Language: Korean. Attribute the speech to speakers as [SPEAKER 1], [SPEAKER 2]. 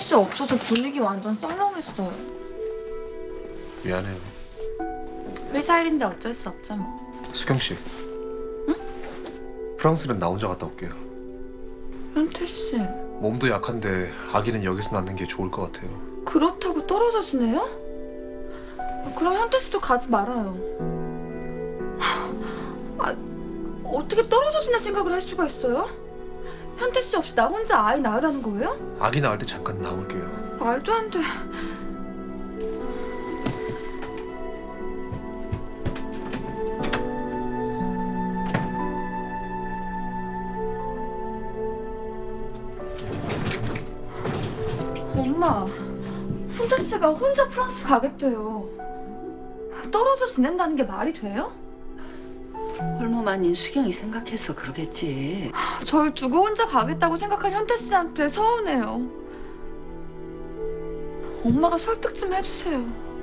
[SPEAKER 1] 씨 없어서 분위기 완전 썰렁했어요.
[SPEAKER 2] 미안해요.
[SPEAKER 1] 회사 일인데 어쩔 수 없죠 뭐.
[SPEAKER 2] 수경 씨. 응? 프랑스는 나 혼자 갔다 올게요.
[SPEAKER 1] 현태 씨,
[SPEAKER 2] 몸도 약한데 아기는 여기서 낳는 게 좋을 것 같아요.
[SPEAKER 1] 그렇다고 떨어져 지내요? 그럼 현태 씨도 가지 말아요. 아, 어떻게 떨어져 지낼 생각을 할 수가 있어요? 현태 씨 없이 나 혼자 아이 낳으라는 거예요?
[SPEAKER 2] 아기 낳을 때 잠깐 나올게요.
[SPEAKER 1] 말도 안 돼. 엄마, 현태 씨가 혼자 프랑스 가겠대요. 떨어져 지낸다는 게 말이 돼요?
[SPEAKER 3] 홀몸아닌 수경이 생각해서 그러겠지.
[SPEAKER 1] 절 두고 혼자 가겠다고 생각한 현태 씨한테 서운해요. 엄마가 설득 좀 해주세요.